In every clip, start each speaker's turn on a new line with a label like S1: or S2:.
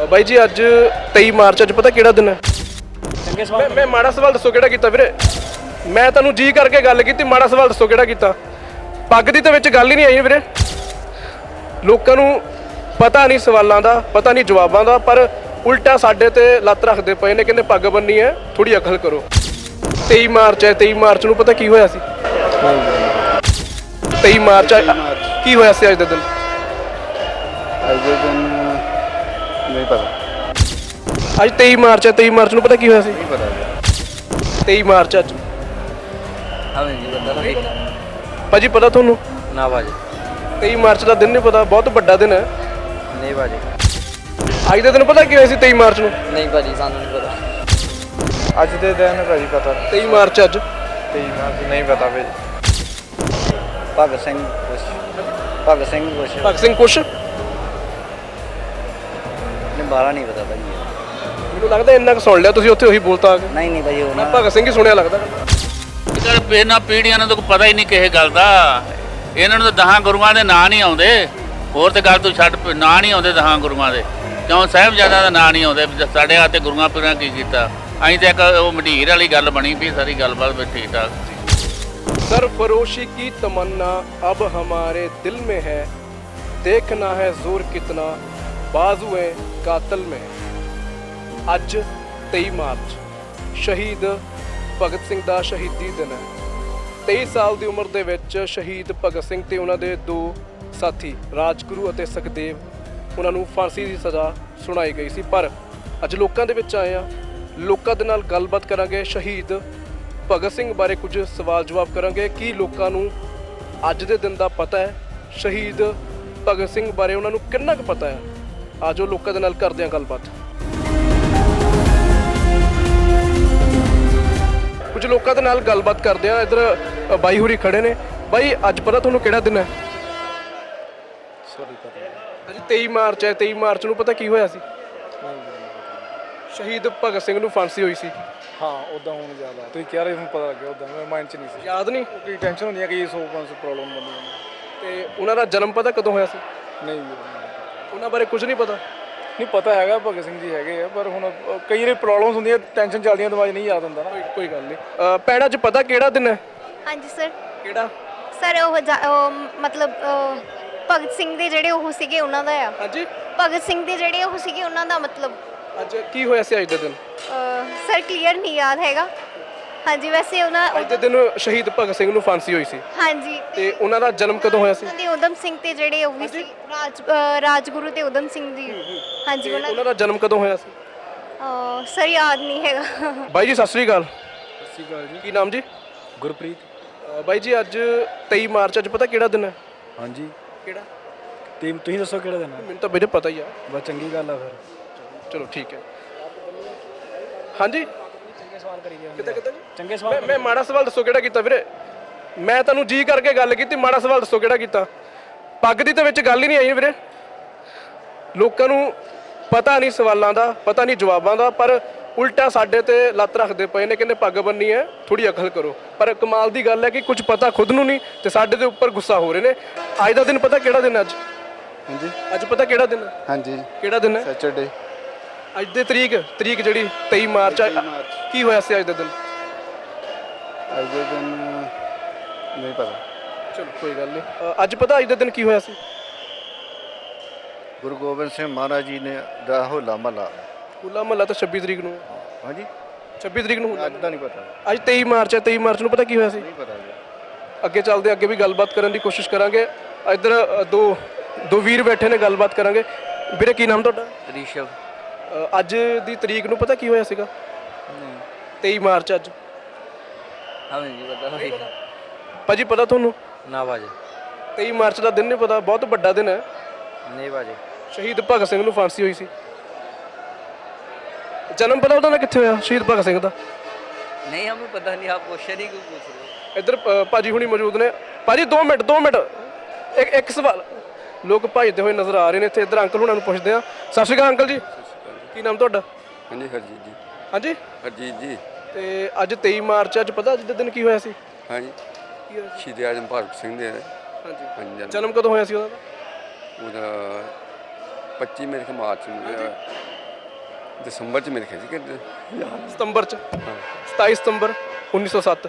S1: ਬਾਈ ਜੀ ਅੱਜ 23 ਮਾਰਚ ਅੱਜ ਪਤਾ ਕਿਹੜਾ ਦਿਨ ਹੈ? ਚੰਗੇ ਸਵਾਲ। ਮੈਂ ਮਾੜਾ ਸਵਾਲ ਦੱਸੋ ਕਿਹੜਾ ਕੀਤਾ ਵੀਰੇ? ਮੈਂ ਤੁਹਾਨੂੰ ਜੀ ਕਰਕੇ ਗੱਲ ਕੀਤੀ, ਮਾੜਾ ਸਵਾਲ ਦੱਸੋ ਕਿਹੜਾ ਕੀਤਾ? ਪੱਗ ਦੀ ਤਾਂ ਵਿੱਚ ਗੱਲ ਹੀ ਨਹੀਂ ਆਈ ਵੀਰੇ। ਲੋਕਾਂ ਨੂੰ ਪਤਾ ਨਹੀਂ ਸਵਾਲਾਂ ਦਾ, ਪਤਾ ਨਹੀਂ ਜਵਾਬਾਂ ਦਾ, ਪਰ ਉਲਟਾ ਸਾਡੇ ਤੇ ਲੱਤ ਰੱਖਦੇ ਪਏ ਨੇ, ਕਹਿੰਦੇ ਪੱਗ ਬੰਨੀ ਹੈ, ਥੋੜੀ ਅਕਲ ਕਰੋ। 23 ਮਾਰਚ ਹੈ, 23 ਮਾਰਚ ਨੂੰ ਪਤਾ ਕੀ ਹੋਇਆ ਸੀ? 23 ਮਾਰਚ ਕੀ ਹੋਇਆ ਸੀ ਅੱਜ ਦੇ ਦਿਨ?
S2: ਅੱਜ ਦੇ ਦਿਨ ਨਹੀਂ ਪਤਾ।
S1: ਅੱਜ 23 ਮਾਰਚ ਹੈ, 23 ਮਾਰਚ ਨੂੰ ਪਤਾ ਕੀ ਹੋਇਆ ਸੀ?
S2: ਨਹੀਂ ਪਤਾ
S1: 23 ਮਾਰਚ ਅੱਜ
S2: ਹਾਂ ਜੀ ਪਤਾ
S1: ਭਾਜੀ ਪਤਾ ਤੁਹਾਨੂੰ?
S2: ਨਾ ਬਾਜੀ
S1: 23 ਮਾਰਚ ਦਾ ਦਿਨ ਨਹੀਂ ਪਤਾ? ਬਹੁਤ ਵੱਡਾ ਦਿਨ ਹੈ।
S2: ਨਹੀਂ ਬਾਜੀ
S1: ਅੱਜ ਦੇ ਦਿਨ ਪਤਾ ਕੀ ਹੋਇਆ ਸੀ 23 ਮਾਰਚ ਨੂੰ?
S2: ਨਹੀਂ ਬਾਜੀ ਸਾਨੂੰ ਨਹੀਂ ਪਤਾ। ਅੱਜ ਦੇ ਦਿਨ ਭਾਜੀ ਪਤਾ
S1: 23 ਮਾਰਚ ਅੱਜ
S2: 23 ਮਾਰਚ ਨਹੀਂ ਪਤਾ ਭਾਜੀ। ਭਗਤ ਸਿੰਘ ਭਗਤ ਸਿੰਘ ਕੁਛ
S1: ਭਗਤ ਸਿੰਘ ਕੁਛ
S2: ਨਹੀਂ ਬਾਰਾ ਨਹੀਂ ਪਤਾ ਭਾਜੀ।
S1: ਮੈਨੂੰ ਲੱਗਦਾ ਇੰਨਾ ਕੁ ਸੁਣ ਲਿਆ ਤੁਸੀਂ, ਉੱਥੇ ਉਹੀ ਬੋਲਤਾ ਆ ਕੇ।
S2: ਨਹੀਂ ਭਾਜੀ ਉਹ
S1: ਮੈਂ ਭਗਤ ਸਿੰਘ ਹੀ ਸੁਣਿਆ ਲੱਗਦਾ।
S3: ਇਹਨਾਂ ਪੀੜ੍ਹੀਆਂ ਨੂੰ ਤਾਂ ਕੋਈ ਪਤਾ ਹੀ ਨਹੀਂ ਕਿਸੇ ਗੱਲ ਦਾ। ਇਹਨਾਂ ਨੂੰ ਤਾਂ 10 ਗੁਰੂਆਂ ਦੇ ਨਾਂ ਨਹੀਂ ਆਉਂਦੇ। ਹੋਰ ਤੇ ਗੱਲ ਤੂੰ ਛੱਡ, ਨਾਂ ਨਹੀਂ ਆਉਂਦੇ 10 ਗੁਰੂਆਂ ਦੇ। ਕਿਉਂ ਸਾਹਿਬਜ਼ਾਦਿਆਂ ਦਾ ਨਾਂ ਨਹੀਂ ਆਉਂਦੇ? ਸਾਡੇ ਹੱਥ 'ਤੇ ਗੁਰੂਆਂ ਪੀਰਾਂ ਕੀ ਕੀਤਾ? ਅਸੀਂ ਤਾਂ ਇੱਕ ਉਹ ਮੰਡੀਰ ਵਾਲੀ ਗੱਲ ਬਣੀ ਵੀ ਸਾਰੀ ਗੱਲਬਾਤ ਵੀ ਠੀਕ ਠਾਕ ਸੀ।
S1: सरफरोशी की तमन्ना अब हमारे दिल में है, देखना है जोर कितना बाजुए कातिल में है। ਅੱਜ 23 ਮਾਰਚ ਸ਼ਹੀਦ ਭਗਤ ਸਿੰਘ ਦਾ ਸ਼ਹੀਦੀ ਦਿਨ ਹੈ। 23 ਸਾਲ ਦੀ ਉਮਰ ਦੇ ਵਿੱਚ ਸ਼ਹੀਦ ਭਗਤ ਸਿੰਘ ਤੇ ਉਹਨਾਂ ਦੇ ਦੋ ਸਾਥੀ ਰਾਜਗੁਰੂ ਅਤੇ ਸੁਖਦੇਵ, ਉਹਨਾਂ ਨੂੰ ਫਾਂਸੀ ਦੀ ਸਜ਼ਾ ਸੁਣਾਈ ਗਈ ਸੀ। ਪਰ ਅੱਜ ਲੋਕਾਂ ਦੇ ਵਿੱਚ ਆਏ ਆ, ਲੋਕਾਂ ਦੇ ਨਾਲ ਗੱਲਬਾਤ ਕਰਾਂਗੇ। ਸ਼ਹੀਦ ਭਗਤ ਸਿੰਘ ਬਾਰੇ ਕੁਝ ਸਵਾਲ ਜਵਾਬ ਕਰਾਂਗੇ। ਕੀ ਲੋਕਾਂ ਨੂੰ ਅੱਜ ਦੇ ਦਿਨ ਦਾ ਪਤਾ ਹੈ? ਸ਼ਹੀਦ ਭਗਤ ਸਿੰਘ ਬਾਰੇ ਉਹਨਾਂ ਨੂੰ ਕਿੰਨਾ ਕੁ ਪਤਾ ਹੈ? ਆਜੋ ਲੋਕਾਂ ਦੇ ਨਾਲ ਕਰਦੇ ਹਾਂ ਗੱਲਬਾਤ। ਕੁਝ ਲੋਕਾਂ ਦੇ ਨਾਲ ਗੱਲਬਾਤ ਕਰਦੇ ਆ। ਇੱਧਰ ਬਾਈ ਹੋਰੀ ਖੜੇ ਨੇ। ਬਾਈ ਅੱਜ ਪਤਾ ਤੁਹਾਨੂੰ ਕਿਹੜਾ ਦਿਨ ਹੈ? ਅੱਜ 23 ਮਾਰਚ ਹੈ। 23 ਮਾਰਚ ਨੂੰ ਪਤਾ ਕੀ ਹੋਇਆ ਸੀ? ਸ਼ਹੀਦ ਭਗਤ ਸਿੰਘ ਨੂੰ ਫਾਂਸੀ ਹੋਈ ਸੀ।
S4: ਹਾਂ ਉਦਾਂ ਹੁਣ ਜ਼ਿਆਦਾ ਤੁਸੀਂ ਕਹਿ ਰਹੇ ਹੋ, ਪਤਾ ਲੱਗਿਆ ਉਦਾਂ ਮੇਰੇ ਮਾਈਂਡ 'ਚ ਨਹੀਂ ਸੀ।
S1: ਯਾਦ ਨਹੀਂ?
S4: ਕੋਈ ਟੈਨਸ਼ਨ ਹੁੰਦੀ ਹੈ ਕਿ 100-500 ਪ੍ਰੋਬਲਮ ਬੰਦੀਆਂ
S1: ਤੇ ਉਹਨਾਂ ਦਾ ਜਨਮ ਪਤਾ ਕਦੋਂ ਹੋਇਆ ਸੀ?
S4: ਨਹੀਂ
S1: ਉਹਨਾਂ ਬਾਰੇ ਕੁਝ ਨਹੀਂ ਪਤਾ?
S4: ਨਹੀਂ ਪਤਾ ਹੈਗਾ ਭਗਤ ਸਿੰਘ ਜੀ ਹੈਗੇ ਆ, ਪਰ ਹੁਣ ਕਈ ਵਾਰੀ ਪ੍ਰੋਬਲਮਸ ਹੁੰਦੀਆਂ, ਟੈਨਸ਼ਨ ਚੱਲਦੀਆਂ, ਦਿਮਾਗ ਨਹੀਂ ਯਾਦ ਹੁੰਦਾ ਨਾ।
S1: ਕੋਈ ਗੱਲ ਨਹੀਂ। ਪੈਣਾ 'ਚ ਪਤਾ ਕਿਹੜਾ ਦਿਨ ਹੈ?
S5: ਹਾਂਜੀ ਸਰ।
S1: ਕਿਹੜਾ
S5: ਸਰ ਉਹ ਮਤਲਬ ਭਗਤ ਸਿੰਘ ਦੇ ਜਿਹੜੇ ਉਹ ਸੀਗੇ ਉਹਨਾਂ ਦਾ ਆ।
S1: ਹਾਂਜੀ
S5: ਭਗਤ ਸਿੰਘ ਦੇ ਜਿਹੜੇ ਉਹ ਸੀਗੇ ਉਹਨਾਂ ਦਾ ਮਤਲਬ
S1: ਅੱਜ ਕੀ ਹੋਇਆ ਸੀ ਅੱਜ ਦੇ ਦਿਨ?
S5: ਸਰ ਕਲੀਅਰ ਨਹੀਂ ਯਾਦ ਹੈਗਾ। ਹਾਂਜੀ ਵੈਸੇ ਉਹਨਾਂ
S1: ਅੱਜ ਦੇ ਦਿਨ ਸ਼ਹੀਦ ਭਗਤ ਸਿੰਘ ਨੂੰ ਫਾਂਸੀ ਹੋਈ ਸੀ।
S5: ਹਾਂਜੀ
S1: ਤੇ ਉਹਨਾਂ ਦਾ ਜਨਮ ਕਦੋਂ ਹੋਇਆ ਸੀ?
S5: ਤੇ ਉਦਮ ਸਿੰਘ ਤੇ ਜਿਹੜੇ ਉਹ ਵੀ ਸੀ ਰਾਜਗੁਰੂ ਤੇ ਉਦਮ ਸਿੰਘ ਜੀ। ਹਾਂਜੀ
S1: ਉਹਨਾਂ ਦਾ ਜਨਮ ਕਦੋਂ ਹੋਇਆ ਸੀ?
S5: ਸਰ ਯਾਦ ਨਹੀਂ ਹੈਗਾ।
S1: ਬਾਈ ਜੀ ਸਤਿ ਸ੍ਰੀ ਅਕਾਲ।
S4: ਸਤਿ ਸ਼੍ਰੀ ਅਕਾਲ ਜੀ।
S1: ਕੀ ਨਾਮ ਜੀ?
S4: ਗੁਰਪ੍ਰੀਤ।
S1: ਬਾਈ ਜੀ ਅੱਜ 23 ਮਾਰਚ ਅੱਜ ਪਤਾ ਕਿਹੜਾ ਦਿਨ ਹੈ?
S4: ਹਾਂਜੀ
S1: ਕਿਹੜਾ?
S4: ਤੇ ਤੁਸੀਂ ਦੱਸੋ ਕਿਹੜਾ ਦਿਨ ਹੈ?
S1: ਮੈਨੂੰ ਤਾਂ ਵੀਰੇ ਪਤਾ ਹੀ ਆ।
S4: ਬਸ ਚੰਗੀ ਗੱਲ ਆ ਫਿਰ।
S1: ਚਲੋ ਠੀਕ ਹੈ। ਹਾਂਜੀ
S4: ਚੰਗੇ ਸਵਾਲ ਕਰੀ ਗਏ
S1: ਕਿੱਦਾਂ ਕਿੱਦਾਂ ਜੀ?
S4: ਚੰਗੇ ਸਵਾਲ।
S1: ਮੈਂ ਮਾੜਾ ਸਵਾਲ ਦੱਸੋ ਕਿਹੜਾ ਕੀਤਾ ਵੀਰੇ? ਮੈਂ ਤੁਹਾਨੂੰ ਜੀ ਕਰਕੇ ਗੱਲ ਕੀਤੀ, ਮਾੜਾ ਸਵਾਲ ਦੱਸੋ ਕਿਹੜਾ ਕੀਤਾ? ਪੱਗ ਦੀ ਤਾਂ ਵਿੱਚ ਗੱਲ ਹੀ ਨਹੀਂ ਆਈ ਵੀਰੇ। ਲੋਕਾਂ ਨੂੰ ਪਤਾ ਨਹੀਂ ਸਵਾਲਾਂ ਦਾ, ਪਤਾ ਨਹੀਂ ਜਵਾਬਾਂ ਦਾ, ਪਰ ਉਲਟਾ ਸਾਡੇ ਤੇ ਲੱਤ ਰੱਖਦੇ ਪਏ ਨੇ, ਕਹਿੰਦੇ ਪੱਗ ਬੰਨੀ ਹੈ, ਥੋੜੀ ਅਕਲ ਕਰੋ। ਪਰ ਕਮਾਲ ਦੀ ਗੱਲ ਹੈ ਕਿ ਕੁਝ ਪਤਾ ਖੁਦ ਨੂੰ ਨਹੀਂ ਤੇ ਸਾਡੇ ਦੇ ਉੱਪਰ ਗੁੱਸਾ ਹੋ ਰਹੇ ਨੇ। ਅੱਜ ਦਾ ਦਿਨ ਪਤਾ ਕਿਹੜਾ ਦਿਨ? ਅੱਜ
S2: ਹਾਂਜੀ
S1: ਅੱਜ ਪਤਾ ਕਿਹੜਾ ਦਿਨ?
S2: ਹਾਂਜੀ
S1: ਕਿਹੜਾ ਦਿਨ ਹੈ?
S2: ਸੈਚਰਡੇ।
S1: ਅੱਜ ਦੇ ਤਰੀਕ ਜਿਹੜੀ 23 ਮਾਰਚ ਕੀ ਹੋਇਆ ਸੀ ਅੱਜ ਦੇ ਦਿਨ?
S2: ਅੱਜ ਦੇ ਦਿਨ ਨਹੀਂ ਪਤਾ।
S1: ਚਲੋ ਕੋਈ ਗੱਲ ਨਹੀਂ। ਅੱਜ ਪਤਾ ਅੱਜ ਦੇ ਦਿਨ ਕੀ ਹੋਇਆ ਸੀ?
S2: ਗੁਰੂ ਗੋਬਿੰਦ ਸਿੰਘ ਮਹਾਰਾਜ ਜੀ ਨੇ ਦਾ ਹੋਲਾ ਮਹੱਲਾ।
S1: ਹੋਲਾ ਮਹੱਲਾ ਤਾਂ 26 ਤਰੀਕ ਨੂੰ।
S2: ਹਾਂਜੀ
S1: 26 ਤਰੀਕ ਨੂੰ ਹੁੰਦਾ।
S2: ਅੱਜ ਦਾ ਨਹੀਂ ਪਤਾ।
S1: ਅੱਜ 23 ਮਾਰਚ ਹੈ। 23 ਮਾਰਚ ਨੂੰ ਪਤਾ ਕੀ ਹੋਇਆ ਸੀ?
S2: ਨਹੀਂ ਪਤਾ ਜੀ।
S1: ਅੱਗੇ ਚੱਲਦੇ, ਅੱਗੇ ਵੀ ਗੱਲਬਾਤ ਕਰਨ ਦੀ ਕੋਸ਼ਿਸ਼ ਕਰਾਂਗੇ। ਇੱਧਰ ਦੋ ਵੀਰ ਬੈਠੇ ਨੇ, ਗੱਲਬਾਤ ਕਰਾਂਗੇ। ਵੀਰੇ ਕੀ ਨਾਮ ਤੁਹਾਡਾ?
S2: ਰਿਸ਼ਵ।
S1: ਅੱਜ ਦੀ ਤਰੀਕ ਨੂੰ ਪਤਾ ਕੀ ਹੋਇਆ ਸੀਗਾ? 23 ਮਾਰਚ ਅੱਜ।
S2: ਹਾਂ ਜੀ ਪਤਾ
S1: ਭਾਜੀ ਪਤਾ ਤੁਹਾਨੂੰ?
S2: ਨਾ ਬਾਜੀ
S1: 23 ਮਾਰਚ ਦਾ ਦਿਨ ਨਹੀਂ ਪਤਾ? ਬਹੁਤ ਵੱਡਾ ਦਿਨ ਹੈ।
S2: ਨਹੀਂ ਬਾਜੀ।
S1: ਸ਼ਹੀਦ ਭਗਤ ਸਿੰਘ ਨੂੰ ਫਾਂਸੀ ਹੋਈ ਸੀ। ਜਨਮ ਪਤਾ ਉਹਦਾ ਕਿੱਥੇ ਹੋਇਆ ਸ਼ਹੀਦ ਭਗਤ ਸਿੰਘ ਦਾ?
S2: ਨਹੀਂ ਹमें पता नहीं। आप क्वेश्चन ही क्यों पूछ रहे हो?
S1: ਇੱਧਰ ਭਾਜੀ ਹੁਣੀ ਮੌਜੂਦ ਨੇ। ਭਾਜੀ 2 ਮਿੰਟ ਇੱਕ ਸਵਾਲ। ਲੋਕ ਭੱਜਦੇ ਹੋਏ ਨਜ਼ਰ ਆ ਰਹੇ ਨੇ ਇੱਥੇ। ਇੱਧਰ ਅੰਕਲ ਹੁਣਾਂ ਨੂੰ ਪੁੱਛਦੇ ਆ। ਸਤਿ ਸ਼੍ਰੀ ਅਕਾਲ ਅੰਕਲ ਜੀ। ਕੀ ਨਾਮ ਤੁਹਾਡਾ?
S2: ਹਾਂਜੀ ਹਰਜੀਤ ਜੀ।
S1: ਹਾਂਜੀ
S2: ਹਰਜੀਤ ਜੀ।
S1: ਤੇ ਅੱਜ 23 ਮਾਰਚ ਅੱਜ ਪਤਾ ਅੱਜ ਦੇ ਦਿਨ ਕੀ ਹੋਇਆ ਸੀ?
S2: ਹਾਂਜੀ
S1: ਕੀ ਹੋਇਆ ਸੀ?
S2: ਸ਼ਹੀਦ ਆਜ਼ਮ ਭਗਤ ਸਿੰਘ ਦੇ
S1: ਹਾਂਜੀ
S2: ਹਾਂਜੀ
S1: ਜਨਮ ਕਦੋਂ ਹੋਇਆ ਸੀ ਉਹਦਾ?
S2: ਉਹਦਾ
S6: 25 ਮੇਰੇ ਖਿਆਲ ਮਾਰਚ ਨੂੰ ਦਸੰਬਰ ਚ ਮੇਰੇ ਖਿਆਲ ਸੀ ਕਿ
S1: ਸਤੰਬਰ ਚ
S6: ਹਾਂ
S1: 27 ਸਤੰਬਰ 1907।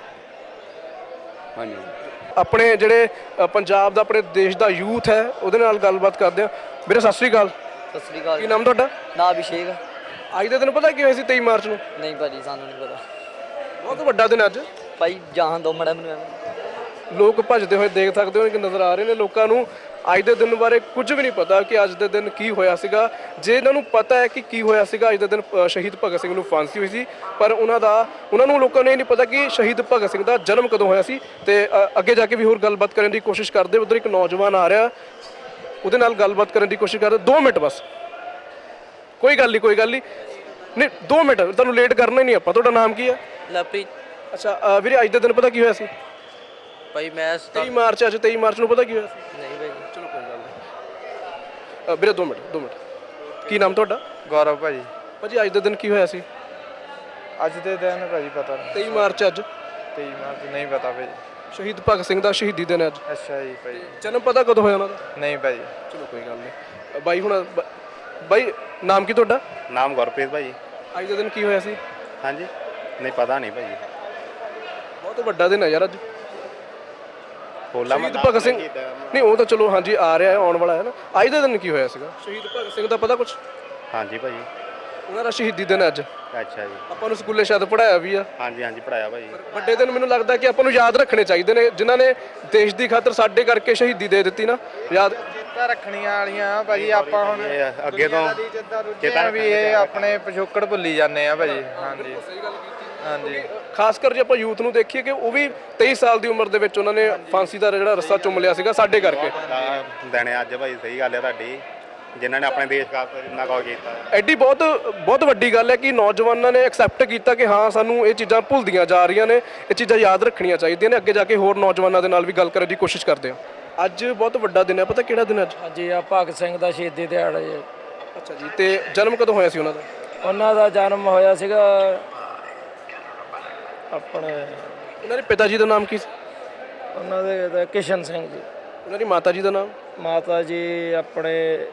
S6: ਹਾਂਜੀ
S1: ਆਪਣੇ ਜਿਹੜੇ ਪੰਜਾਬ ਦਾ ਆਪਣੇ ਦੇਸ਼ ਦਾ ਯੂਥ ਹੈ ਉਹਦੇ ਨਾਲ ਗੱਲਬਾਤ ਕਰਦੇ ਆ। ਵੀਰੇ ਸਤਿ ਸ੍ਰੀ ਅਕਾਲ,
S7: ਸਤਿ ਸ੍ਰੀ ਅਕਾਲ।
S1: ਕੀ ਨਾਮ ਤੁਹਾਡਾ?
S7: ਨਾ ਅਭਿਸ਼ੇਕ।
S1: ਅੱਜ ਦੇ ਦਿਨ ਪਤਾ ਕੀ ਹੋਇਆ ਸੀ 23 ਮਾਰਚ ਨੂੰ?
S7: ਨਹੀਂ ਭਾਜੀ ਸਾਨੂੰ ਨਹੀਂ ਪਤਾ
S1: ਬਹੁਤ ਵੱਡਾ ਦਿਨ ਅੱਜ।
S7: ਭਾਈ ਜਾਣ ਦੋ ਮੜਾ ਮੈਨੂੰ ਐਵੇਂ।
S1: ਲੋਕ ਭੱਜਦੇ ਹੋਏ ਦੇਖ ਸਕਦੇ ਹੋ ਕਿ ਨਜ਼ਰ ਆ ਰਹੇ ਨੇ। ਲੋਕਾਂ ਨੂੰ ਅੱਜ ਦੇ ਦਿਨ ਬਾਰੇ ਕੁਝ ਵੀ ਨਹੀਂ ਪਤਾ ਕਿ ਅੱਜ ਦੇ ਦਿਨ ਕੀ ਹੋਇਆ ਸੀਗਾ। ਜੇ ਇਹਨਾਂ ਨੂੰ ਪਤਾ ਹੈ ਕਿ ਕੀ ਹੋਇਆ ਸੀਗਾ ਅੱਜ ਦੇ ਦਿਨ, ਸ਼ਹੀਦ ਭਗਤ ਸਿੰਘ ਨੂੰ ਫਾਂਸੀ ਹੋਈ ਸੀ, ਪਰ ਉਹਨਾਂ ਨੂੰ ਲੋਕਾਂ ਨੂੰ ਇਹ ਨਹੀਂ ਪਤਾ ਕਿ ਸ਼ਹੀਦ ਭਗਤ ਸਿੰਘ ਦਾ ਜਨਮ ਕਦੋਂ ਹੋਇਆ ਸੀ। ਤੇ ਅੱਗੇ ਜਾ ਕੇ ਵੀ ਹੋਰ ਗੱਲਬਾਤ ਕਰਨ ਦੀ ਕੋਸ਼ਿਸ਼ ਕਰਦੇ। ਉੱਧਰ ਇੱਕ ਨੌਜਵਾਨ ਆ ਰਿਹਾ, ਉਹਦੇ ਨਾਲ ਗੱਲਬਾਤ ਕਰਨ ਦੀ ਕੋਸ਼ਿਸ਼ ਕਰਦੇ। 2 ਮਿੰਟ ਬਸ, ਕੋਈ ਗੱਲ ਨਹੀਂ ਨਹੀਂ 2 ਮਿੰਟ, ਤੁਹਾਨੂੰ ਲੇਟ ਕਰਨਾ ਹੀ ਨਹੀਂ ਆਪਾਂ। ਤੁਹਾਡਾ ਨਾਮ ਕੀ ਹੈ?
S7: ਲਵਪ੍ਰੀਤ।
S1: ਅੱਛਾ ਵੀਰੇ, ਅੱਜ ਦੇ ਦਿਨ ਪਤਾ ਕੀ ਹੋਇਆ ਸੀ?
S7: ਭਾਈ ਮੈਂ
S1: 23 ਮਾਰਚ, ਅੱਜ 23 ਮਾਰਚ ਨੂੰ ਪਤਾ ਕੀ ਹੋਇਆ ਸੀ?
S7: ਨਹੀਂ ਭਾਈ।
S1: ਚਲੋ ਕੋਈ ਗੱਲ ਨਹੀਂ ਵੀਰੇ, 2 ਮਿੰਟ। ਕੀ ਨਾਮ ਤੁਹਾਡਾ?
S2: ਗੌਰਵ ਭਾਜੀ।
S1: ਭਾਜੀ ਅੱਜ ਦੇ ਦਿਨ ਕੀ ਹੋਇਆ ਸੀ?
S2: ਅੱਜ ਦੇ ਦਿਨ ਭਾਜੀ ਪਤਾ ਨਹੀਂ।
S1: 23 ਮਾਰਚ ਅੱਜ
S2: 23 ਮਾਰਚ ਨਹੀਂ ਪਤਾ ਭਾਜੀ।
S1: ਸ਼ਹੀਦ ਭਗਤ ਸਿੰਘ ਦਾ ਸ਼ਹੀਦੀ ਦਿਨ ਹੈ ਅੱਜ।
S2: ਅੱਛਾ ਜੀ ਭਾਜੀ।
S1: ਜਨਮ ਪਤਾ ਕਦੋਂ ਹੋਇਆ ਉਹਨਾਂ ਦਾ?
S2: ਨਹੀਂ ਭਾਜੀ।
S1: ਚਲੋ ਕੋਈ ਗੱਲ ਨਹੀਂ ਬਾਈ। ਹੁਣ ਬਾਈ ਨਾਮ ਕੀ ਤੁਹਾਡਾ?
S8: ਨਾਮ ਗੁਰਪ੍ਰੀਤ ਭਾਜੀ।
S1: ਅੱਜ ਦੇ ਦਿਨ ਕੀ ਹੋਇਆ ਸੀ?
S8: ਹਾਂਜੀ ਨਹੀਂ ਪਤਾ ਨਹੀਂ ਭਾਜੀ।
S1: ਬਹੁਤ ਵੱਡਾ ਦਿਨ ਹੈ ਯਾਰ ਅੱਜ।
S8: ਹੋਲਾ
S1: ਸ਼ਹੀਦ ਭਗਤ ਸਿੰਘ, ਨਹੀਂ ਉਹ ਤਾਂ ਚਲੋ ਹਾਂਜੀ ਆ ਰਿਹਾ ਹੈ, ਆਉਣ ਵਾਲਾ ਹੈ ਨਾ। ਅੱਜ ਦੇ ਦਿਨ ਕੀ ਹੋਇਆ ਸੀਗਾ? ਸ਼ਹੀਦ ਭਗਤ ਸਿੰਘ ਦਾ ਪਤਾ ਕੁਝ?
S8: ਹਾਂਜੀ ਭਾਜੀ।
S1: ਉਹਨਾਂ ਦਾ ਸ਼ਹੀਦੀ ਦਿਨ ਹੈ ਅੱਜ।
S8: ਅੱਛਾ ਜੀ।
S1: ਆਪਾਂ ਨੂੰ ਸਕੂਲੇ ਸ਼ਾਇਦ ਪੜਾਇਆ ਵੀ ਆ।
S8: ਹਾਂਜੀ ਪੜਾਇਆ ਭਾਜੀ।
S1: ਵੱਡੇ ਦਿਨ ਮੈਨੂੰ ਲੱਗਦਾ ਕਿ ਆਪਾਂ ਨੂੰ ਯਾਦ ਰੱਖਣੇ ਚਾਹੀਦੇ ਨੇ, ਜਿਨ੍ਹਾਂ ਨੇ ਦੇਸ਼ ਦੀ ਖਾਤਰ ਸਾਡੇ ਕਰਕੇ ਸ਼ਹੀਦੀ ਦੇ ਦਿੱਤੀ ਨਾ। ਯਾਦ
S2: ਜਿੱਦਾਂ ਰੱਖਣੀਆਂ ਵਾਲੀਆਂ ਭਾਜੀ। ਆਪਾਂ ਹੁਣ
S8: ਇਹ ਅੱਗੇ ਤੋਂ
S2: ਚੇਤਾ ਵੀ ਇਹ ਆਪਣੇ ਪਿਛੋਕੜ ਭੁੱਲੀ ਜਾਂਦੇ ਆ ਭਾਜੀ। ਹਾਂਜੀ ਹਾਂਜੀ।
S1: ਖਾਸ ਕਰ ਜੇ ਆਪਾਂ ਯੂਥ ਨੂੰ ਦੇਖੀਏ ਕਿ ਉਹ ਵੀ 23 ਸਾਲ ਦੀ ਉਮਰ ਦੇ ਵਿੱਚ ਉਹਨਾਂ ਨੇ ਫਾਂਸੀ ਦਾ ਜਿਹੜਾ ਰੱਸਾ ਚੁੰਮ ਲਿਆ ਸੀਗਾ ਸਾਡੇ ਕਰਕੇ।
S8: ਦੇਣੇ ਅੱਜ ਭਾਈ, ਸਹੀ ਗੱਲ ਹੈ ਤੁਹਾਡੀ, ਜਿਨ੍ਹਾਂ ਨੇ ਆਪਣੇ ਦੇਸ਼ ਖਾਤਰ ਇੰਨਾ ਕੁਝ ਕੀਤਾ।
S1: ਐਡੀ ਬਹੁਤ ਵੱਡੀ ਗੱਲ ਹੈ ਕਿ ਨੌਜਵਾਨਾਂ ਨੇ ਐਕਸੈਪਟ ਕੀਤਾ ਕਿ ਹਾਂ ਸਾਨੂੰ ਇਹ ਚੀਜ਼ਾਂ ਭੁੱਲਦੀਆਂ ਜਾ ਰਹੀਆਂ ਨੇ, ਇਹ ਚੀਜ਼ਾਂ ਯਾਦ ਰੱਖਣੀਆਂ ਚਾਹੀਦੀਆਂ ਨੇ। ਅੱਗੇ ਜਾ ਕੇ ਹੋਰ ਨੌਜਵਾਨਾਂ ਦੇ ਨਾਲ ਵੀ ਗੱਲ ਕਰਨ ਦੀ ਕੋਸ਼ਿਸ਼ ਕਰਦੇ ਹਾਂ। ਅੱਜ ਬਹੁਤ ਵੱਡਾ ਦਿਨ ਹੈ, ਪਤਾ ਕਿਹੜਾ ਦਿਨ ਅੱਜ?
S9: ਹਾਂਜੀ ਆ ਭਗਤ ਸਿੰਘ ਦਾ ਸ਼ਹੀਦੀ ਦਿਹਾੜਾ ਜੀ।
S1: ਅੱਛਾ ਜੀ, ਤੇ ਜਨਮ ਕਦੋਂ ਹੋਇਆ ਸੀ ਉਹਨਾਂ ਦਾ?
S9: ਉਹਨਾਂ ਦਾ ਜਨਮ ਹੋਇਆ ਸੀਗਾ ਆਪਣੇ,
S1: ਉਹਨਾਂ ਦੇ ਪਿਤਾ ਜੀ ਦਾ ਨਾਮ ਕੀ ਸੀ?
S9: ਉਹਨਾਂ ਦੇ ਕਿਸ਼ਨ ਸਿੰਘ ਜੀ।
S1: ਉਹਨਾਂ ਦੀ ਮਾਤਾ ਜੀ ਦਾ ਨਾਮ?
S9: ਮਾਤਾ ਜੀ ਆਪਣੇ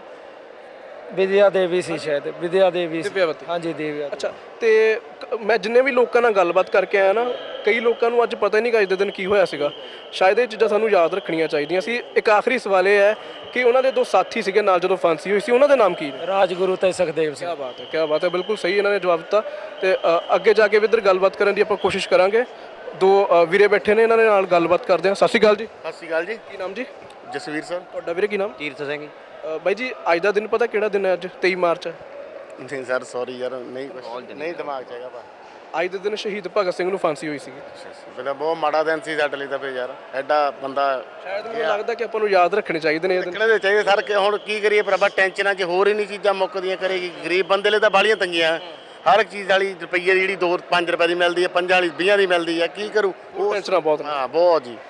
S9: ਵਿਦਿਆ ਦੇਵੀ ਸੀ, ਸ਼ਾਇਦ ਵਿਦਿਆ ਦੇਵੀ ਸੀ।
S1: ਦਿਵਿਆਵਤੀ।
S9: ਹਾਂਜੀ ਦਿਵਿਆ।
S1: ਅੱਛਾ, ਤੇ ਮੈਂ ਜਿੰਨੇ ਵੀ ਲੋਕਾਂ ਨਾਲ ਗੱਲਬਾਤ ਕਰਕੇ ਆਇਆ ਨਾ, ਕਈ ਲੋਕਾਂ ਨੂੰ ਅੱਜ ਪਤਾ ਹੀ ਨਹੀਂ ਕਿ ਅੱਜ ਦੇ ਦਿਨ ਕੀ ਹੋਇਆ ਸੀਗਾ। ਸ਼ਾਇਦ ਇਹ ਚੀਜ਼ਾਂ ਸਾਨੂੰ ਯਾਦ ਰੱਖਣੀਆਂ ਚਾਹੀਦੀਆਂ ਸੀ। ਇੱਕ ਆਖਰੀ ਸਵਾਲ ਇਹ ਹੈ ਕਿ ਉਹਨਾਂ ਦੇ 2 ਸਾਥੀ ਸੀਗੇ ਨਾਲ ਜਦੋਂ ਫਾਂਸੀ ਹੋਈ ਸੀ, ਉਹਨਾਂ ਦੇ ਨਾਮ ਕੀ ਨੇ?
S9: ਰਾਜਗੁਰੂ ਤੇ ਸੁਖਦੇਵ ਸਿੰਘ।
S1: ਕੀ ਬਾਤ ਹੈ, ਬਿਲਕੁਲ ਸਹੀ ਇਹਨਾਂ ਨੇ ਜਵਾਬ ਦਿੱਤਾ। ਤੇ ਅੱਗੇ ਜਾ ਕੇ ਵੀ ਇੱਧਰ ਗੱਲਬਾਤ ਕਰਨ ਦੀ ਆਪਾਂ ਕੋਸ਼ਿਸ਼ ਕਰਾਂਗੇ। 2 ਵੀਰੇ ਬੈਠੇ ਨੇ, ਇਹਨਾਂ ਦੇ ਨਾਲ ਗੱਲਬਾਤ ਕਰਦੇ ਹਾਂ। ਸਤਿ ਸ਼੍ਰੀ ਅਕਾਲ ਜੀ।
S8: ਸਤਿ ਸ਼੍ਰੀ ਅਕਾਲ ਜੀ।
S1: ਕੀ ਨਾਮ ਜੀ?
S8: ਜਸਵੀਰ ਸਰ।
S1: ਤੁਹਾਡਾ ਵੀਰੇ ਕੀ ਨਾਮ?
S7: ਤੀਰਥ ਸਿੰਘ।
S1: ਬਾਈ ਜੀ ਅੱਜ ਦਾ ਦਿਨ ਪਤਾ ਕਿਹੜਾ ਦਿਨ ਹੈ? ਅੱਜ 23 ਮਾਰਚ ਹੈ।
S8: ਨਹੀਂ ਸਰ ਸੌਰੀ ਯਾਰ, ਨਹੀਂ ਦਿਮਾਗ 'ਚ ਹੈਗਾ ਪਾ।
S1: ਅੱਜ ਦੇ ਦਿਨ ਸ਼ਹੀਦ ਭਗਤ ਸਿੰਘ ਨੂੰ ਫਾਂਸੀ ਹੋਈ ਸੀਗੀ।
S8: ਪਹਿਲਾਂ ਬਹੁਤ ਮਾੜਾ ਦਿਨ ਸੀ ਸਾਡੇ ਲਈ ਤਾਂ ਫਿਰ ਯਾਰ, ਐਡਾ ਬੰਦਾ।
S1: ਸ਼ਾਇਦ ਮੈਨੂੰ ਲੱਗਦਾ ਕਿ ਆਪਾਂ ਨੂੰ ਯਾਦ ਰੱਖਣੇ ਚਾਹੀਦੇ ਨੇ ਇਹ ਦਿਨ।
S8: ਰੱਖਣੇ ਦੇ ਚਾਹੀਦੇ ਸਰ, ਕਿ ਹੁਣ ਕੀ ਕਰੀਏ ਭਰਾਵਾ, ਟੈਨਸ਼ਨਾਂ 'ਚ ਹੋਰ ਹੀ ਨਹੀਂ ਚੀਜ਼ਾਂ ਮੁੱਕਦੀਆਂ। ਕਰੇਗੀ ਗਰੀਬ ਬੰਦੇ ਲਈ ਤਾਂ ਬਾਲੀਆਂ ਤੰਗੀਆਂ। ਹਰ ਇੱਕ ਚੀਜ਼ ਵਾਲੀ ਰੁਪਈਏ ਦੀ ਜਿਹੜੀ 2-5 ਰੁਪਏ ਦੀ ਮਿਲਦੀ ਹੈ, 5 ਵਾਲੀ 20 ਦੀ ਮਿਲਦੀ ਹੈ, ਕੀ ਕਰੂ ਉਹ
S1: ਟੈਨਸ਼ਨਾਂ ਬਹੁਤ ਨੇ।
S8: ਹਾਂ ਬਹੁਤ ਜੀ।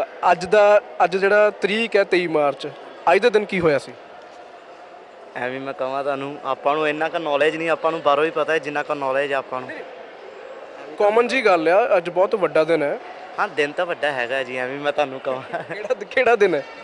S1: ਅੱਜ ਜਿਹੜਾ ਤਰੀਕ ਹੈ 23 ਮਾਰਚ, ਅੱਜ ਦੇ ਦਿਨ ਕੀ ਹੋਇਆ ਸੀ?
S7: ਐਵੇਂ ਮੈਂ ਕਹਾਂ ਤੁਹਾਨੂੰ, ਆਪਾਂ ਨੂੰ ਇੰਨਾ ਕੁ ਨੌਲੇਜ ਨਹੀਂ, ਆਪਾਂ ਨੂੰ ਬਾਹਰੋਂ ਹੀ ਪਤਾ ਹੈ ਜਿੰਨਾ ਕੁ ਨੌਲੇਜ ਆਪਾਂ ਨੂੰ।
S1: ਕਾਮਨ ਜੀ ਗੱਲ ਆ, ਅੱਜ ਬਹੁਤ ਵੱਡਾ ਦਿਨ ਹੈ।
S7: ਹਾਂ ਦਿਨ ਤਾਂ ਵੱਡਾ ਹੈਗਾ ਜੀ, ਐਵੇਂ ਮੈਂ ਤੁਹਾਨੂੰ ਕਹਾਂ।
S1: ਕਿਹੜਾ ਦਿਨ ਹੈ?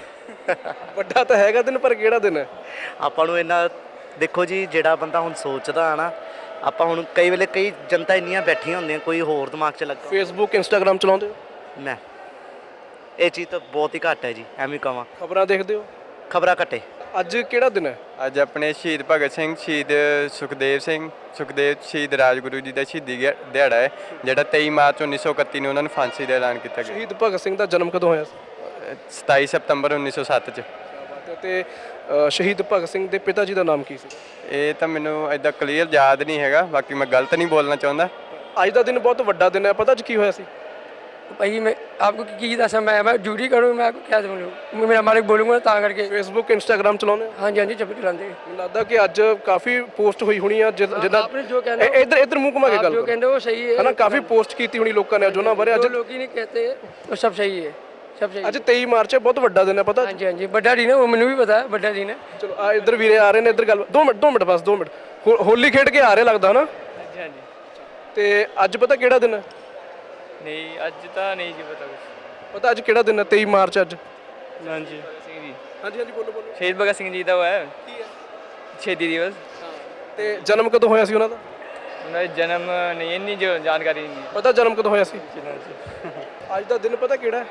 S1: ਵੱਡਾ ਤਾਂ ਹੈਗਾ ਦਿਨ, ਪਰ ਕਿਹੜਾ ਦਿਨ ਹੈ?
S7: ਆਪਾਂ ਨੂੰ ਇੰਨਾ ਦੇਖੋ ਜੀ, ਜਿਹੜਾ ਬੰਦਾ ਹੁਣ ਸੋਚਦਾ ਆ ਨਾ, ਆਪਾਂ ਹੁਣ ਕਈ ਵੇਲੇ ਕਈ ਜਨਤਾ ਇੰਨੀਆਂ ਬੈਠੀਆਂ ਹੁੰਦੀਆਂ, ਕੋਈ ਹੋਰ ਦਿਮਾਗ 'ਚ ਲੱਗਾ।
S1: ਫੇਸਬੁੱਕ ਇੰਸਟਾਗ੍ਰਾਮ ਚਲਾਉਂਦੇ ਹੋ?
S7: ਮੈਂ ਇਹ ਚੀਜ਼ ਤਾਂ ਬਹੁਤ ਹੀ ਘੱਟ ਹੈ ਜੀ, ਐਵੇਂ ਕਹਾਂ।
S1: ਖਬਰਾਂ ਦੇਖਦੇ ਹੋ?
S7: ਖਬਰਾਂ ਘੱਟੇ।
S1: ਅੱਜ ਕਿਹੜਾ ਦਿਨ ਹੈ?
S2: ਅੱਜ ਆਪਣੇ ਸ਼ਹੀਦ ਭਗਤ ਸਿੰਘ, ਸ਼ਹੀਦ ਸੁਖਦੇਵ ਸ਼ਹੀਦ ਰਾਜਗੁਰੂ ਜੀ ਦਾ ਸ਼ਹੀਦੀ ਦਿਹਾੜਾ ਹੈ, ਜਿਹੜਾ 23 ਮਾਰਚ 1931 ਨੂੰ ਉਹਨਾਂ ਨੂੰ ਫਾਂਸੀ ਦਾ ਐਲਾਨ ਕੀਤਾ ਗਿਆ।
S1: ਸ਼ਹੀਦ ਭਗਤ ਸਿੰਘ ਦਾ ਜਨਮ ਕਦੋਂ ਹੋਇਆ ਸੀ?
S2: 27 ਸਤੰਬਰ 1907 'ਚ।
S1: ਤੇ ਸ਼ਹੀਦ ਭਗਤ ਸਿੰਘ ਦੇ ਪਿਤਾ ਜੀ ਦਾ ਨਾਮ ਕੀ ਸੀ?
S2: ਇਹ ਤਾਂ ਮੈਨੂੰ ਐਦਾਂ ਕਲੀਅਰ ਯਾਦ ਨਹੀਂ ਹੈਗਾ, ਬਾਕੀ ਮੈਂ ਗਲਤ ਨਹੀਂ ਬੋਲਣਾ ਚਾਹੁੰਦਾ।
S1: ਅੱਜ ਦਾ ਦਿਨ ਬਹੁਤ ਵੱਡਾ ਦਿਨ ਹੈ, ਪਤਾ ਅੱਜ ਕੀ ਹੋਇਆ ਸੀ?
S9: ਭਾਈ ਮੈਂ ਆਪਕੋ ਕੀ ਦੱਸਾਂ, ਮੈਂ ਡਿਊਟੀ ਕਰੂੰ, ਮੈਂ आपको क्या बोलूँ, मेरा मालिक बोलूँगा ਤਾਂ ਕਰਕੇ।
S1: ਫੇਸਬੁੱਕ ਇੰਸਟਾਗ੍ਰਾਮ ਚਲਾਉਂਦੇ ਹੋ?
S9: ਹਾਂਜੀ ਚੱਪ ਚਲਾਉਂਦੇ।
S1: ਮੈਨੂੰ ਲੱਗਦਾ ਕਿ ਅੱਜ ਕਾਫੀ ਪੋਸਟ ਹੋਈ ਹੋਣੀ ਆ, ਜਿੱਦਾਂ
S9: आपने जो कहना
S1: ਇੱਧਰ ਮੂੰਹ ਘੁਮਾ ਕੇ ਗੱਲ
S9: जो कहते वो सही है
S1: ਹੈ ਨਾ। ਕਾਫੀ ਪੋਸਟ ਕੀਤੀ ਹੋਣੀ ਲੋਕਾਂ ਨੇ ਅੱਜ ਉਹਨਾਂ ਬਾਰੇ। ਅੱਜ
S9: जो लोग ही नहीं कहते वो सब सही है, सब सही।
S1: ਅੱਜ 23 ਮਾਰਚ ਹੈ, ਬਹੁਤ ਵੱਡਾ ਦਿਨ ਹੈ, ਪਤਾ?
S9: ਹਾਂਜੀ ਵੱਡਾ ਦਿਨ ਹੈ, ਉਹ ਮੈਨੂੰ ਵੀ ਪਤਾ ਹੈ, ਵੱਡਾ ਦਿਨ ਹੈ।
S1: ਚਲੋ ਆ ਇੱਧਰ ਵੀਰੇ ਆ ਰਹੇ ਨੇ, ਇੱਧਰ ਗੱਲ 2 ਮਿੰਟ ਬਸ 2 ਮਿੰਟ। ਹੋਲੀ ਖੇਡ ਕੇ ਆ ਰਹੇ ਲੱਗਦਾ ਨਾ?
S9: ਹਾਂਜੀ
S1: ਤੇ ਅੱਜ ਪਤਾ ਕਿਹੜਾ ਦਿਨ ਹੈ?
S9: ਨਹੀਂ ਅੱਜ ਤਾਂ ਨਹੀਂ ਜੀ ਪਤਾ ਕੁਝ।
S1: ਪਤਾ ਅੱਜ ਕਿਹੜਾ ਦਿਨ ਹੈ? 23 ਮਾਰਚ ਅੱਜ।
S9: ਹਾਂਜੀ
S1: ਹਾਂਜੀ ਬੋਲੋ।
S9: ਸ਼ਹੀਦ ਭਗਤ ਸਿੰਘ ਜੀ ਦਾ ਉਹ ਹੈ।
S1: ਕੀ ਹੈ?
S2: ਸ਼ਹੀਦੀ ਦਿਵਸ
S1: ਤੇ ਜਨਮ ਕਦੋਂ ਹੋਇਆ ਸੀ ਉਹਨਾਂ ਦਾ?
S2: ਉਹਨਾਂ ਦਾ ਜਨਮ ਨਹੀਂ ਇੰਨੀ ਜਾਣਕਾਰੀ ਨਹੀਂ
S1: ਪਤਾ ਜਨਮ ਕਦੋਂ ਹੋਇਆ ਸੀ? ਅੱਜ ਦਾ ਦਿਨ ਪਤਾ ਕਿਹੜਾ ਹੈ?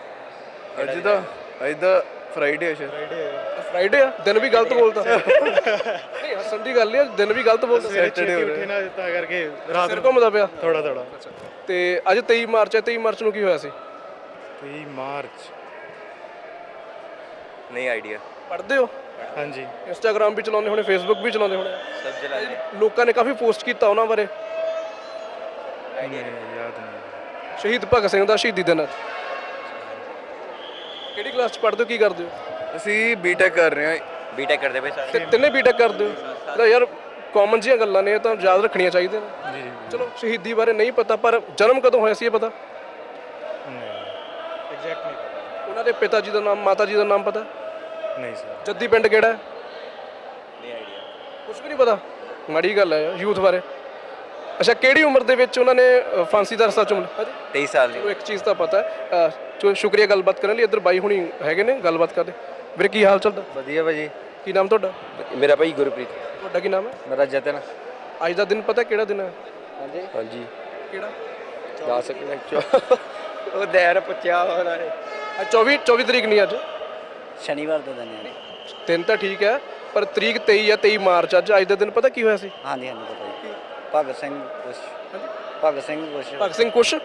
S6: ਅੱਜ ਦਾ ਫਰਾਈਡੇ ਹੈ ਸ਼ਾਇਦ।
S1: ਫਰਾਈਡੇ ਆ? ਦਿਨ ਵੀ ਗਲਤ ਬੋਲਦਾ ਨਹੀਂ, ਹੱਸਣ ਦੀ ਗੱਲ ਨਹੀਂ, ਦਿਨ ਵੀ ਗਲਤ ਬੋਲਦਾ।
S6: ਸੈਟਰਡੇ ਹੋ
S4: ਉੱਠੇ ਨਾ ਤਾਂ ਕਰਕੇ
S1: ਸਿਰ ਘੁੰਮਦਾ ਪਿਆ
S4: ਥੋੜਾ
S1: ਤੇ ਅੱਜ 23 ਮਾਰਚ ਹੈ। 23 ਮਾਰਚ ਨੂੰ ਕੀ ਹੋਇਆ ਸੀ?
S4: 23 ਮਾਰਚ
S2: ਨਹੀਂ ਆਈਡੀਆ।
S1: ਪੜ੍ਹਦੇ ਹੋ?
S4: ਹਾਂਜੀ
S1: ਇੰਸਟਾਗ੍ਰਾਮ ਵੀ ਚਲਾਉਂਦੇ ਹੋਣੇ, ਫੇਸਬੁੱਕ ਵੀ ਚਲਾਉਂਦੇ ਹੋਣੇ।
S2: ਸਭ ਜਲਾਲੇ
S1: ਲੋਕਾਂ ਨੇ ਕਾਫੀ ਪੋਸਟ ਕੀਤਾ ਉਹਨਾਂ ਬਾਰੇ।
S4: ਯਾਦ ਨਹੀਂ।
S1: ਸ਼ਹੀਦ ਭਗਤ ਸਿੰਘ ਦਾ ਸ਼ਹੀਦੀ ਦਿਨ ਅੱਜ। ਕਿਹੜੀ ਕਲਾਸ ਚ ਪੜ੍ਹਦੇ ਹੋ, ਕੀ ਕਰਦੇ ਹੋ?
S6: ਅਸੀਂ ਬੀਟੈਕ ਕਰ ਰਹੇ ਹਾਂ।
S2: ਬੀਟੈਕ ਕਰਦੇ ਪਏ ਸਾਰੇ।
S1: ਤੇ ਤਿੰਨੇ ਬੀਟੈਕ ਕਰਦੇ ਹੋ? ਤਾਂ ਯਾਰ ਕਾਮਨ ਜਿਹੀਆਂ ਗੱਲਾਂ ਨੇ, ਇਹ ਤਾਂ ਯਾਦ ਰੱਖਣੀਆਂ ਚਾਹੀਦੀਆਂ ਨੇ।
S4: ਜੀ
S1: ਚਲੋ ਸ਼ਹੀਦੀ ਬਾਰੇ ਨਹੀਂ ਪਤਾ, ਪਰ ਜਨਮ ਕਦੋਂ ਹੋਇਆ ਸੀ ਇਹ ਪਤਾ?
S4: ਐਗਜ਼ੈਕਟ ਨਹੀਂ ਪਤਾ।
S1: ਉਹਨਾਂ ਦੇ ਪਿਤਾ ਜੀ ਦਾ ਨਾਮ, ਮਾਤਾ ਜੀ ਦਾ ਨਾਮ ਪਤਾ?
S4: ਨਹੀਂ ਸਰ।
S1: ਜੱਦੀ ਪਿੰਡ ਕਿਹੜਾ ਹੈ?
S2: ਨਹੀਂ ਆਈਡੀਆ।
S1: ਕੁਝ ਵੀ ਨਹੀਂ ਪਤਾ? ਮਾੜੀ ਗੱਲ ਹੈ ਯਾਰ ਯੂਥ ਬਾਰੇ। ਅੱਛਾ, ਕਿਹੜੀ ਉਮਰ ਦੇ ਵਿੱਚ ਉਹਨਾਂ ਨੇ ਫਾਂਸੀ ਦਾ ਰਸਾ ਚੁੰਮ
S2: 23 ਸਾਲ ਦੀ।
S1: ਚਲੋ ਇੱਕ ਚੀਜ਼ ਤਾਂ ਪਤਾ ਹੈ। ਸ਼ੁਕਰੀਆ ਗੱਲਬਾਤ ਕਰਨ ਲਈ। ਇੱਧਰ ਬਾਈ ਹੁਣੀ ਹੈਗੇ ਨੇ, ਗੱਲਬਾਤ ਕਰਦੇ। ਵੀਰੇ ਕੀ ਹਾਲ ਚੱਲਦਾ?
S2: ਵਧੀਆ ਭਾਜੀ।
S1: ਕੀ ਨਾਮ ਤੁਹਾਡਾ?
S2: ਮੇਰਾ ਭਾਈ ਗੁਰਪ੍ਰੀਤ।
S1: ਤੁਹਾਡਾ ਕੀ ਨਾਮ ਹੈ?
S2: ਮੇਰਾ ਜਤਨ।
S1: ਅੱਜ ਦਾ ਦਿਨ ਪਤਾ ਕਿਹੜਾ ਦਿਨ ਹੈ?
S2: ਹਾਂਜੀ
S1: ਕਿਹੜਾ?
S2: ਦੱਸ ਸਕਦੇ ਉਹ ਦੇਰ ਪੁੱਛਿਆ ਉਹਨਾਂ ਨੇ।
S1: ਅੱਜ 24 ਤਰੀਕ ਨਹੀਂ, ਅੱਜ
S7: ਸ਼ਨੀਵਾਰ ਦਾ ਦਿਨ ਹੈ।
S1: ਦਿਨ ਤਾਂ ਠੀਕ ਹੈ, ਪਰ ਤਰੀਕ 23 ਆ, 23 ਮਾਰਚ ਅੱਜ ਦਾ ਦਿਨ ਪਤਾ ਕੀ ਹੋਇਆ ਸੀ?
S7: ਹਾਂਜੀ ਹਾਂਜੀ ਪਤਾ ਜੀ। ਭਗਤ ਸਿੰਘ ਕੁਛ ਭਗਤ ਸਿੰਘ ਕੁਛ
S1: ਭਗਤ ਸਿੰਘ ਕੁਛ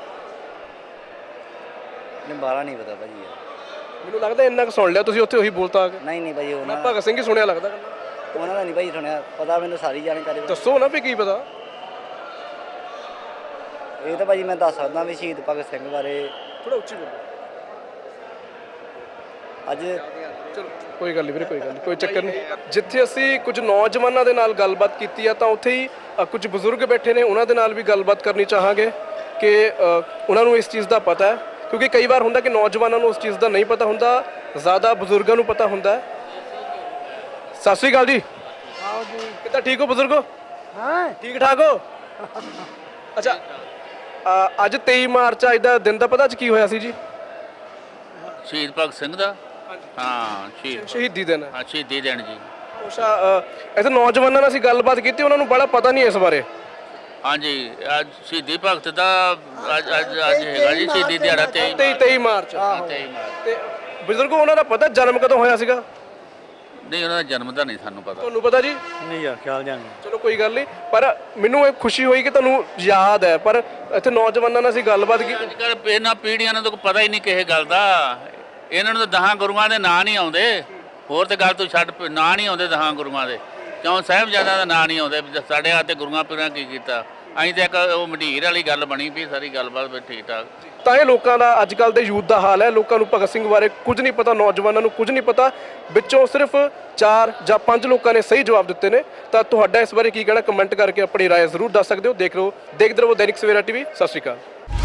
S7: ਨੇ ਬਾਰਾ ਨਹੀਂ ਪਤਾ ਭਾਜੀ ਯਾਰ।
S1: ਮੈਨੂੰ ਲੱਗਦਾ ਇੰਨਾ ਕੁ ਸੁਣ ਲਿਆ ਤੁਸੀਂ, ਉੱਥੇ ਉਹੀ ਬੋਲਤਾ ਆ ਕੇ।
S7: ਨਹੀਂ ਭਾਜੀ
S1: ਮੈਂ
S7: ਉਹਨਾਂ
S1: ਭਗਤ ਸਿੰਘ ਹੀ ਸੁਣਿਆ ਲੱਗਦਾ।
S7: ਉਹਨਾਂ ਦਾ ਨਹੀਂ ਭਾਜੀ ਸੁਣਿਆ, ਪਤਾ ਮੈਨੂੰ ਸਾਰੀ ਜਾਣਕਾਰੀ।
S1: ਦੱਸੋ ਨਾ ਵੀ ਕੀ ਪਤਾ।
S7: ਇਹ ਤਾਂ ਭਾਜੀ ਮੈਂ ਦੱਸ ਸਕਦਾ ਵੀ ਸ਼ਹੀਦ ਭਗਤ ਸਿੰਘ ਬਾਰੇ
S1: ਥੋੜਾ ਉੱਚੀ ਬੋਲੋ।
S7: ਅੱਜ
S1: ਚਲੋ ਕੋਈ ਗੱਲ ਨਹੀਂ ਵੀਰੇ, ਕੋਈ ਗੱਲ ਨਹੀਂ, ਕੋਈ ਚੱਕਰ ਨਹੀਂ। ਜਿੱਥੇ ਅਸੀਂ ਕੁਝ ਨੌਜਵਾਨਾਂ ਦੇ ਨਾਲ ਗੱਲਬਾਤ ਕੀਤੀ ਆ, ਤਾਂ ਉੱਥੇ ਹੀ ਕੁਝ ਬਜ਼ੁਰਗ ਬੈਠੇ ਨੇ, ਉਹਨਾਂ ਦੇ ਨਾਲ ਵੀ ਗੱਲਬਾਤ ਕਰਨੀ ਚਾਹਾਂਗੇ ਕਿ ਉਹਨਾਂ ਨੂੰ ਇਸ ਚੀਜ਼ ਦਾ ਪਤਾ ਹੈ। ਕਿਉਂਕਿ ਕਈ ਵਾਰ ਹੁੰਦਾ ਕਿ ਨੌਜਵਾਨਾਂ ਨੂੰ ਉਸ ਚੀਜ਼ ਦਾ ਨਹੀਂ ਪਤਾ ਹੁੰਦਾ, ਜ਼ਿਆਦਾ ਬਜ਼ੁਰਗਾਂ ਨੂੰ ਪਤਾ ਹੁੰਦਾ ਹੈ। ਸਤਿ ਸ਼੍ਰੀ ਅਕਾਲ ਜੀ।
S9: ਆਓ ਜੀ।
S1: ਕਿੱਦਾਂ, ਠੀਕ ਹੋ ਬਜ਼ੁਰਗੋ?
S9: ਹਾਂ
S1: ਠੀਕ ਠਾਕ ਹੋ? ਅੱਛਾ, ਅੱਜ 23 ਮਾਰਚ ਅੱਜ ਦਾ ਦਿਨ ਦਾ ਪਤਾ ਅੱਜ ਕੀ ਹੋਇਆ ਸੀ ਜੀ?
S3: ਸ਼ਹੀਦ ਭਗਤ ਸਿੰਘ ਦਾ। ਹਾਂ
S1: ਸ਼ਹੀਦੀ ਦਿਨ ਹੈ।
S3: ਹਾਂ ਸ਼ਹੀਦੀ ਦਿਨ ਜੀ।
S1: ਅੱਛਾ, ਇੱਥੇ ਨੌਜਵਾਨਾਂ ਨਾਲ ਅਸੀਂ ਗੱਲਬਾਤ ਕੀਤੀ, ਉਹਨਾਂ ਨੂੰ ਬੜਾ ਪਤਾ ਨਹੀਂ ਇਸ ਬਾਰੇ।
S3: ਹਾਂਜੀ ਅੱਜ ਸ਼ਹੀਦੀ ਭਗਤ ਦਾ ਅੱਜ ਹੈਗਾ ਜੀ ਸ਼ਹੀਦੀ ਦਿਹਾੜਾ
S1: 23 ਮਾਰਚ।
S3: 23 ਮਾਰਚ।
S1: ਤੇ ਬਜ਼ੁਰਗੋ, ਉਹਨਾਂ ਦਾ ਪਤਾ ਜਨਮ ਕਦੋਂ ਹੋਇਆ ਸੀਗਾ?
S3: ਨਹੀਂ ਉਹਨਾਂ ਦਾ ਜਨਮ ਦਾ ਨਹੀਂ ਸਾਨੂੰ ਪਤਾ।
S1: ਤੁਹਾਨੂੰ ਪਤਾ ਜੀ?
S4: ਨਹੀਂ ਯਾਰ ਖਿਆਲ ਜਾਣ।
S1: ਚਲੋ ਕੋਈ ਗੱਲ ਨਹੀਂ, ਪਰ ਮੈਨੂੰ ਇਹ ਖੁਸ਼ੀ ਹੋਈ ਕਿ ਤੁਹਾਨੂੰ ਯਾਦ ਹੈ। ਪਰ ਇੱਥੇ ਨੌਜਵਾਨਾਂ ਨਾਲ ਅਸੀਂ ਗੱਲਬਾਤ ਕੀਤੀ।
S3: ਅੱਜ ਕੱਲ੍ਹ ਇਹਨਾਂ ਪੀੜ੍ਹੀਆਂ ਨੂੰ ਤਾਂ ਕੋਈ ਪਤਾ ਹੀ ਨਹੀਂ ਕਿਸੇ ਗੱਲ ਦਾ। ਇਹਨਾਂ ਨੂੰ ਤਾਂ 10 ਗੁਰੂਆਂ ਦੇ ਨਾਂ ਨਹੀਂ ਆਉਂਦੇ। ਹੋਰ ਤੇ ਗੱਲ ਤੂੰ ਛੱਡ, ਨਾਂ ਨਹੀਂ ਆਉਂਦੇ 10 ਗੁਰੂਆਂ ਦੇ। ਕਿਉਂ ਸਾਹਿਬਜ਼ਾਦਿਆਂ ਦਾ ਨਾਂ ਨਹੀਂ ਆਉਂਦੇ? ਸਾਡੇ ਹੱਥ ਤੇ ਗੁਰੂਆਂ ਪੀਰਾਂ ਕੀ ਕੀਤਾ? ਅਸੀਂ ਤਾਂ ਇੱਕ ਉਹ ਮੰਡੀਰ ਵਾਲੀ ਗੱਲ ਬਣੀ ਵੀ ਸਾਰੀ ਗੱਲਬਾਤ ਵੀ ਠੀਕ ਠਾਕ।
S1: ਤਾਂ ਇਹ ਲੋਕਾਂ ਦਾ ਅੱਜ ਕੱਲ੍ਹ ਦੇ ਯੂਥ ਦਾ ਹਾਲ ਹੈ। ਲੋਕਾਂ ਨੂੰ ਭਗਤ ਸਿੰਘ ਬਾਰੇ ਕੁਝ ਨਹੀਂ ਪਤਾ, ਨੌਜਵਾਨਾਂ ਨੂੰ ਕੁਝ ਨਹੀਂ ਪਤਾ। ਵਿੱਚੋਂ ਸਿਰਫ 4 ਜਾਂ 5 ਲੋਕਾਂ ਨੇ ਸਹੀ ਜਵਾਬ ਦਿੱਤੇ ਨੇ। ਤਾਂ ਤੁਹਾਡਾ ਇਸ ਬਾਰੇ ਕੀ ਕਹਿਣਾ, ਕਮੈਂਟ ਕਰਕੇ ਆਪਣੀ ਰਾਏ ਜ਼ਰੂਰ ਦੱਸ ਸਕਦੇ ਹੋ। ਦੇਖਦੇ ਰਹੋ ਦੈਨਿਕ ਸਵੇਰਾ ਟੀਵੀ। ਸਤਿ ਸ਼੍ਰੀ ਅਕਾਲ।